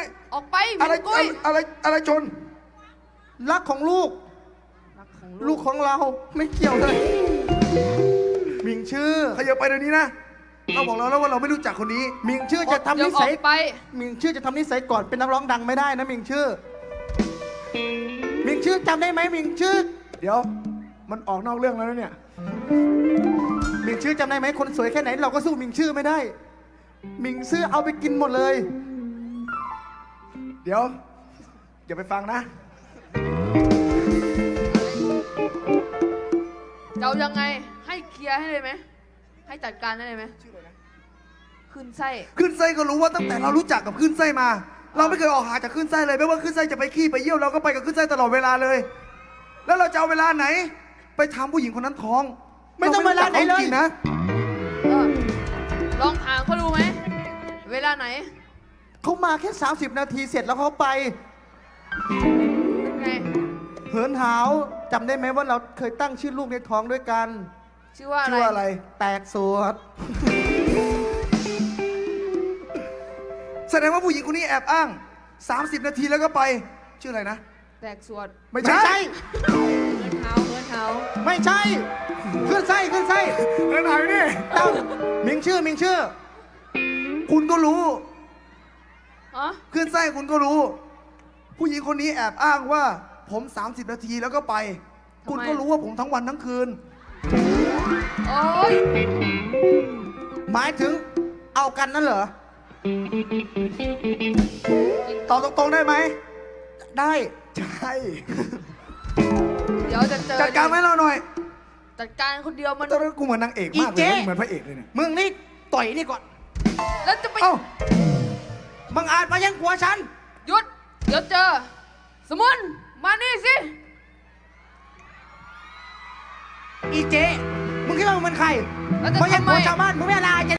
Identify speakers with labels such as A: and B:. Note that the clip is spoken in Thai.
A: ออกไป
B: อะไรอะไรชน
C: รักของลูก
A: รักของ
C: ลูกของเราไม่เกี่ยวเลยมิงชื่อ
B: ขยับไปเดี๋ยวนี้นะเราบอกเราแล้วว่าเราไม่รู้จักคนนี้
C: มิงชื่อจะทำนิ
A: อ
C: สัย
A: อกไป
C: มิงชื่อจะทำนิสัยก่อนเป็นนักร้องดังไม่ได้นะมิงชื่อมิงชื่อจำได้ไหมมิงชื่อ
B: เดี๋ยวมันออกนอกเรื่องแล้วนะเนี่ย
C: มิงชื่อจำได้ไหมคนสวยแค่ไหนเราก็สู้มิงชื่อไม่ได้ มิงชื่อเอาไปกินหมดเลย
B: เดี๋ยวอย่าไปฟังนะ
A: จะเอายังไงให้เคลียร์ให้เลยไหมให้จัดการให้เลยไหมขึ้นไส้
B: ขึ้นไส้ก็รู้ว่าตั้งแต่เรารู้จักกับขึ้นไส้มา เราไม่เคยออกหาจากขึ้นไส้เลยไม่ว่าขึ้นไส้จะไปขี้ไปเยี่ยวเราก็ไปกับขึ้นไส้ตลอดเวลาเลย แล้วเราจะเอาเวลาไหน ไปทำผู้หญิงคนนั้นท้อง
C: ไม่ต้องเวลาไหนเลย
B: รม่รู้จักขจริงๆนะ
A: ลองถามเขาดูไหมเวลาไหน
C: เขามาแค่30 นาทีเสร็จแล้วเขาไป
A: เป็นไง
C: เหินหาวจำได้ไหมว่าเราเคยตั้งชื่อลูกในท้องด้วยกัน
A: ชื่อว่าอะ
B: ชื่อว่าอะไร
A: ไร
C: แตกสวด
B: แสดงว่าผู้หญิงคนนี้แอบอ้าง30 นาทีแล้วก็ไปชื่ออะไรนะ
A: แตกสวด
B: ไม่
C: ไม่
B: ใช่
C: ใช่
A: เงินเท้าเงินเท้า
C: ไม่ใช่ขึ้นไส้ขึ้นไส้
B: เรื่องไหนนี่
C: ตั้งมิงชื่อมิงชื่อ
B: คุณก็รู้
A: อ๋อ
B: ขึ้นไส้คุณก็รู้ ผู้หญิงคนนี้แอบอ้างว่าผม30 นาทีแล้วก็ไป คุณก็รู้ว่าผมทั้งวันทั้งคืน
A: โอ้ย
C: หมายถึงเอากันนั่นเหรอ
B: ตอบตรงๆได้ไหม
C: ได้
B: ใช่
A: เดี๋ยวจะเจอ
B: จัดการให้เราหน่อย
A: จัดการคนเดียวมัน
B: ตอนนั้นกูเหมือนนางเอกมากเลยนะเหมือนพระเอกเลยเนี่ย
C: มึงนี่ต่อยนี่ก่อน
A: แล้วจะไป
B: เอ้า
C: มึงอาจมายังผัวฉัน
A: หยุด เดี๋ยวเจอ สมุนมานี่สิ
C: อีเจมึงคิดว่ามึงเป็นใคร
A: แล้วจะ
C: มึงยัง
A: ทำไม
C: ผัวชาวบ้านมึงไม่อะไร